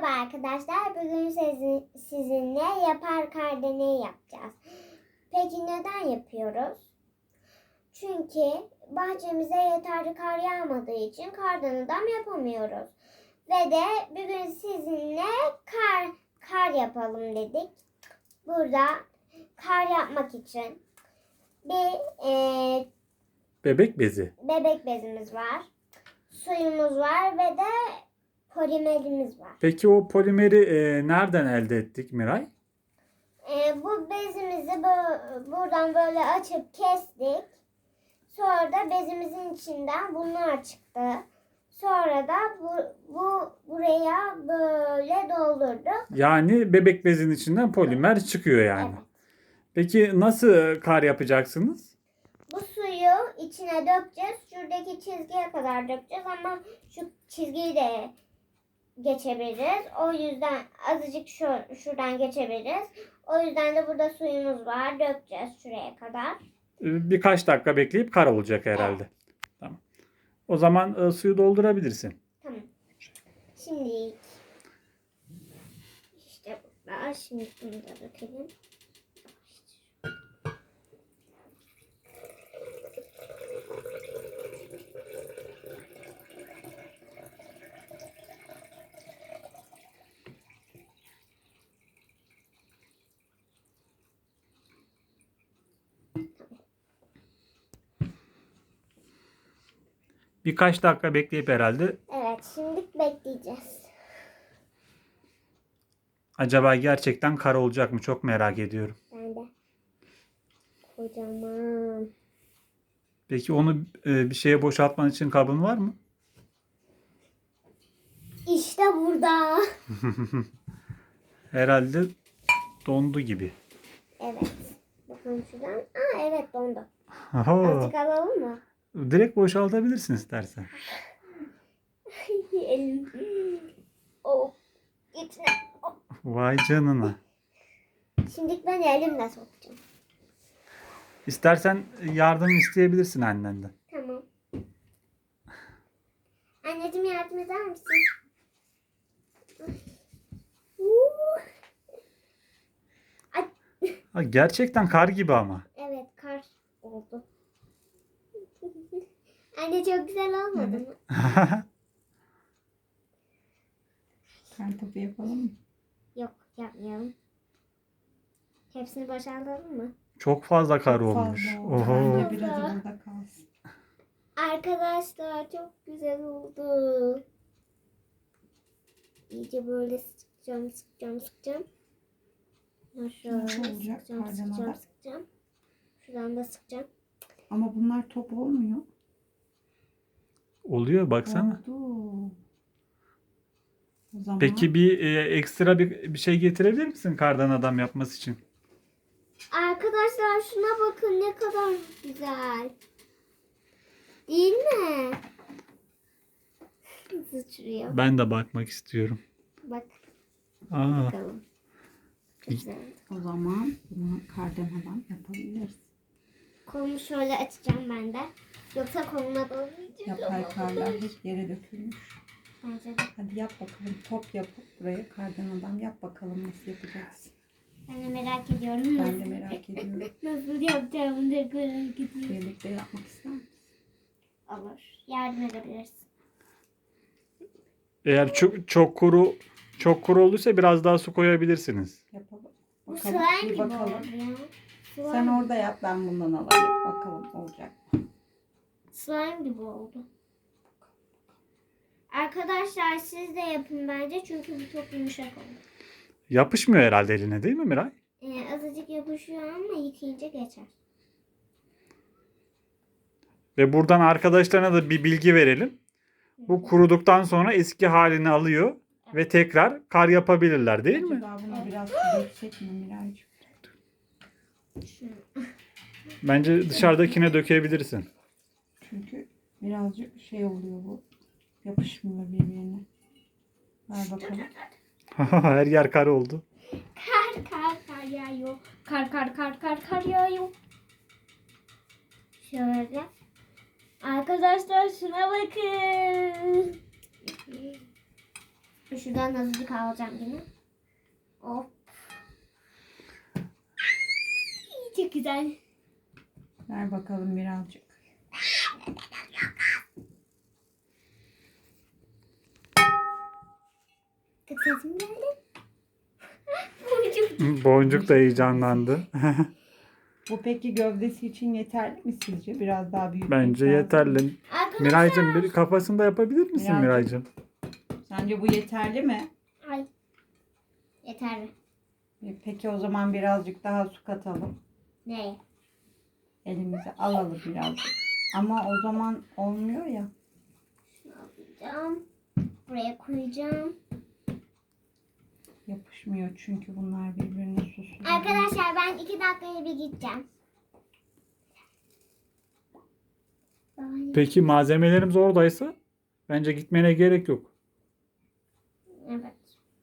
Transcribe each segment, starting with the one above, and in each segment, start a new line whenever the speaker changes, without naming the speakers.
Merhaba arkadaşlar. Bugün sizinle yapar kar deneyi yapacağız. Peki neden yapıyoruz? Çünkü bahçemize yeterli kar yağmadığı için kardan adam yapamıyoruz. Ve de bugün sizinle kar yapalım dedik. Burada kar yapmak için bir
Bebek bezi.
bebek bezimiz var. Suyumuz var ve de polimerimiz var.
Peki o polimeri nereden elde ettik Miray?
Bu bezimizi buradan böyle açıp kestik. Sonra da bezimizin içinden bunlar çıktı. Sonra da buraya böyle doldurduk.
Yani bebek bezinin içinden polimer çıkıyor yani.
Evet.
Peki nasıl kar yapacaksınız?
Bu suyu içine dökeceğiz. Şuradaki çizgiye kadar dökeceğiz ama şu çizgiyi de geçebiliriz. O yüzden azıcık şuradan geçebiliriz. O yüzden de burada suyumuz var. Dökeceğiz şuraya kadar.
Birkaç dakika bekleyip kar olacak herhalde.
Evet.
Tamam. O zaman suyu doldurabilirsin.
Tamam. Şimdi işte burada. Şimdi bunu da dökelim.
Birkaç dakika bekleyip herhalde
Evet, şimdi bekleyeceğiz.
acaba gerçekten kar olacak mı? Çok merak ediyorum.
Ben de. Kocaman.
Peki onu bir şeye boşaltman için kabın var mı?
İşte burada.
Herhalde dondu gibi.
Evet. Bakalım şuradan. Aa evet dondu.
Oho.
Azıcık alalım mı?
Direkt boşaltabilirsin istersen.
Elim. Oh. İçine. Oh.
Vay canına.
Şimdi ben elimle sokacağım.
İstersen yardım isteyebilirsin annenden.
Tamam. Anneciğim yardım eder misin? Ay.
Ha, gerçekten kar gibi ama.
Evet kar oldu. Anne çok güzel olmadı mı?
Kar topu yapalım mı?
Yok yapmayalım. Hepsini boşaltalım mı?
Çok fazla kar olmuş.
Fazla oldu.
Oho.
Bence biraz burada kalsın.
Arkadaşlar çok güzel oldu. İyice böyle sıkacağım. Şöyle
Nasıl olacak kardan adam?
sıkacağım. Şuradan da sıkacağım.
Ama bunlar top olmuyor.
Oluyor baksana.
Oldu. O zaman
Peki bir ekstra bir şey getirebilir misin kardan adam yapması için?
Arkadaşlar şuna bakın ne kadar güzel. Değil mi? Sıçrıyor.
Ben de bakmak istiyorum.
Bak
Aa,
bakalım. Çok güzel.
o zaman bunu kardan adam yapabiliriz.
Kolumu şöyle açacağım ben de. Yoksa koluma dolayacak.
Yapay karlar hep yere dökülmüş.
Bence de.
Hadi yap bakalım. Top yapıp buraya kardan adam yap bakalım nasıl yapacaksın.
Ben de merak ediyorum.
Ben de merak ediyorum.
Nasıl yapacağımı da merak ediyorum.
Birlikte yapmak ister misin?
Olur. Yardım edebilirsin.
eğer çok kuru olduysa biraz daha su koyabilirsiniz.
Yapalım.
Bu
Bakalım.
slime
Bir
gibi
bakalım.
oldu ya. Slime,
Sen orada yap, ben bundan alayım. Bakalım olacak mı?
slime gibi oldu. Arkadaşlar siz de yapın bence çünkü bu çok yumuşak oldu.
Yapışmıyor herhalde eline değil mi Miray?
Azıcık yapışıyor ama yıkayınca geçer.
Ve buradan arkadaşlarına da bir bilgi verelim. Bu kuruduktan sonra eski halini alıyor ve tekrar kar yapabilirler değil mi?
Acaba buna biraz su dökecek mi Miraycığım?
Bence dışarıdakine dökebilirsin.
Çünkü birazcık şey oluyor bu. Yapışmıyor birbirine. Ver bakalım.
Her yer kar oldu.
Kar yağıyor. Kar yağıyor. Şöyle. Arkadaşlar şuna bakın. Şuradan azıcık alacağım yine. Hop. Çok güzel.
Ver bakalım birazcık.
Kız sesim geldi. Boncuk.
Boncuk da heyecanlandı.
Bu peki gövdesi için yeterli mi sizce? Biraz daha büyük.
Bence yeterli.
Arkadaşlar.
Miraycığım bir kafasında yapabilir misin
Miraycığım.
Miraycığım?
Sence bu yeterli mi?
Ay. Yeterli.
Peki o zaman birazcık daha su katalım.
Ne?
Elimize alalım birazcık. Ama o zaman olmuyor ya.
Şunu alacağım. Buraya koyacağım.
Yapışmıyor çünkü bunlar birbirine susuluyor.
Arkadaşlar ben 2 dakikaya bir gideceğim.
Peki malzemelerimiz oradaysa bence gitmene gerek yok.
Evet.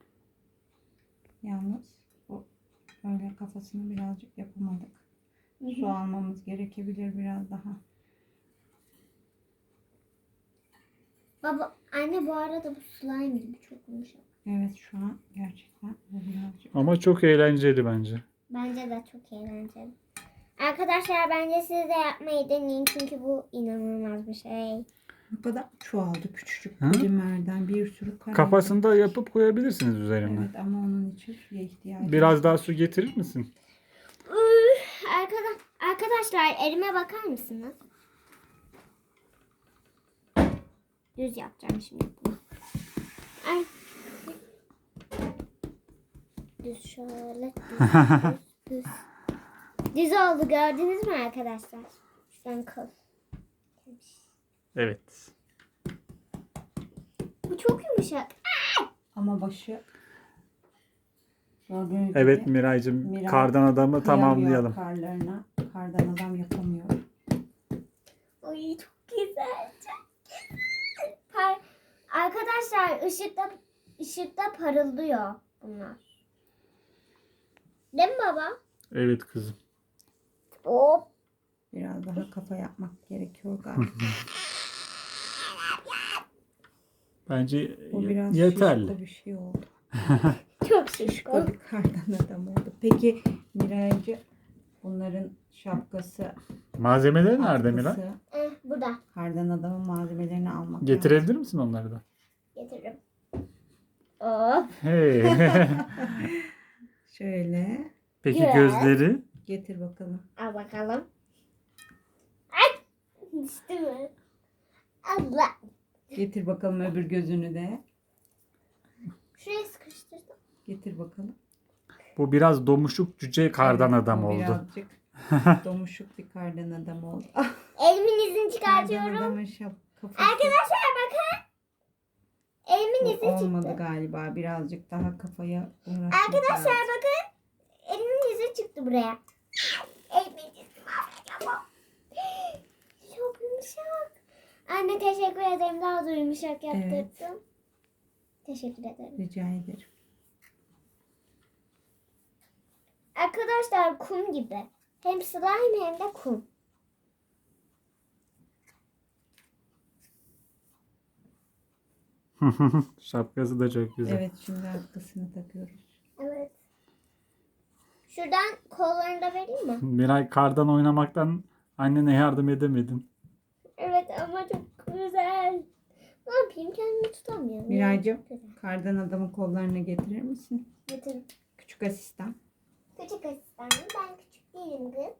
Yalnız bu öyle kafasını birazcık yapamadık. Su almamız gerekebilir biraz daha.
Baba, anne bu arada bu slime gibi çok yumuşak.
Evet şu an gerçekten bu birazcık.
Ama çok eğlenceli bence.
Bence de çok eğlenceli. Arkadaşlar bence siz de yapmayı deneyin çünkü bu inanılmaz bir şey.
Bu kadar çoğaldı küçücük
Hı?
polimerden bir sürü kare.
Kafasını da yapıp koyabilirsiniz üzerine.
Evet ama onun için suya ihtiyacı
Biraz
var.
daha su getirir misin?
Arkadaşlar elime bakar mısınız? Düz yapacağım şimdi bunu. Ay. Düz şöyle. Düz. Düz oldu gördünüz mü arkadaşlar? Şuradan kıl.
Evet.
Bu çok yumuşak.
Ama başı gördüğünüz
Evet
gibi
Miraycığım,
Miray
kardan adamı
kıyamıyor
tamamlayalım.
karlarına. Kardan adam yapamıyor.
Ay çok güzel. Çok güzel. Arkadaşlar ışıkta parıldıyor bunlar. Değil mi baba?
Evet kızım.
Hop.
Biraz daha kafa yapmak gerekiyor galiba.
Bence
Bu biraz
yeterli.
şişko bir şey oldu.
Çok
Şişko
şişko.
bir kardan adam oldu. Peki Miraycı bunların şapkası,
Malzemeleri nerede Miray?
atkısı,
Burada.
kardan adamın malzemelerini almak lazım.
Getirebilir misin onları da?
Getiririm. Hop.
Hey.
Şöyle
Peki
Yes.
gözleri?
getir bakalım.
Al bakalım. Ay. Düştü mü? Allah.
Getir bakalım öbür gözünü de.
Şuraya sıkıştırdım.
Getir bakalım.
Bu biraz domuşuk cüce kardan
Evet,
adam
bu
oldu.
Birazcık domuşuk bir kardan adam oldu.
Elimin izini
Kardan
çıkartıyorum.
adamın kafası
Arkadaşlar bakın. Elimin
bu
izi
olmadı
çıktı.
galiba. Birazcık daha kafaya uğraşmak
Arkadaşlar
lazım.
bakın. Elimin izi çıktı buraya. Elimin izi var. Çok yumuşak. Anne teşekkür ederim. Daha da yumuşak yaptırdın.
Evet.
Teşekkür ederim.
Rica ederim.
Arkadaşlar kum gibi. Hem slime hem de kum.
Şapkası da çok güzel.
Evet şimdi atkısını takıyoruz.
Evet. Şuradan kollarını da vereyim mi?
Miray, kardan oynamaktan annene yardım edemedin.
Evet ama çok güzel. Ne yapayım kendimi tutamıyorum.
Miraycığım
Güzel.
kardan adamın kollarını getirir misin?
Getirdim.
Küçük asistan.
Küçük asistanım. Ben küçük değilim kız.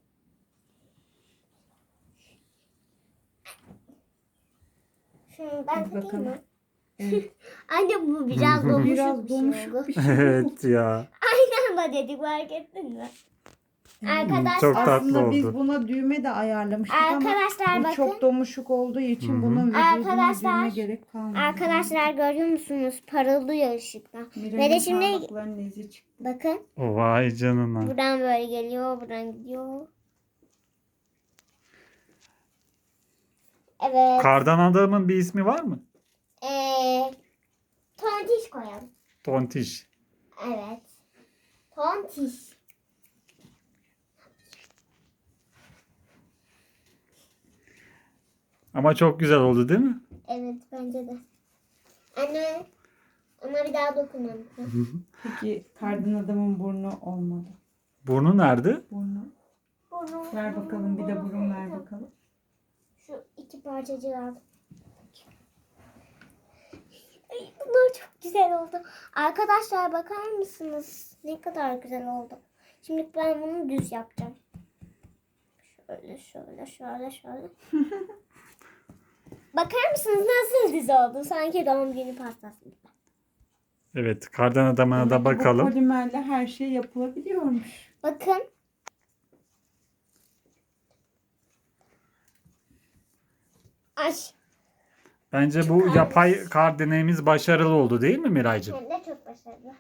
Şunu ben
Hadi
takayım
bakalım.
mı?
Evet.
Anne bu biraz domuşuk
Biraz
bir şey
domuşuk
oldu.
bir şey oldu.
Evet ya.
Aynı anda dedik fark ettin mi? Arkadaşlar,
Çok tatlı
Aslında biz
oldu.
buna düğme de ayarlamıştık
arkadaşlar
ama bu
bakın.
çok domuşuk olduğu için
Hı hı.
bunun vücuduna
Arkadaşlar-
düğme gerek kalmadı.
Arkadaşlar görüyor musunuz? Parıldıyor ışıkta.
Miray'ın
Ve de şimdi
parmaklarının izi çıktı.
bakın.
Vay canına.
Buradan böyle geliyor. Buradan gidiyor. Evet.
Kardan adamın bir ismi var mı?
Tontiş koyalım.
Tontiş.
Evet. Tontiş.
Ama çok güzel oldu değil mi?
Evet bence de. Anne Ona bir daha dokunmadım.
Peki kardan adamın burnu olmadı.
Burnu nerede?
Burnu.
Burnu.
Ver bakalım, bir de burun ver bakalım.
Şu iki parçacığı aldım. Ay, bunlar çok güzel oldu. Arkadaşlar bakar mısınız? Ne kadar güzel oldu. Şimdi ben bunu düz yapacağım. Şöyle. Bakar mısınız nasıl düz oldu? Sanki doğum günü pastası gibi.
Evet, kardan adamına da
Demek ki bu
bakalım.
polimerle her şey yapılabiliyormuş.
Bakın. Ay.
Bence bu yapay kar deneyimiz başarılı oldu değil mi Miraycığım?
Hem de çok başarılı.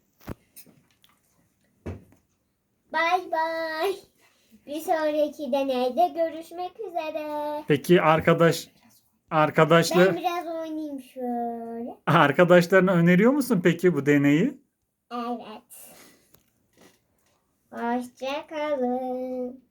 Bay bay. Bir sonraki deneyde görüşmek üzere.
Peki arkadaşlar
Ben biraz oynayayım şöyle.
arkadaşlarına öneriyor musun peki bu deneyi?
Evet. Hoşça kalın.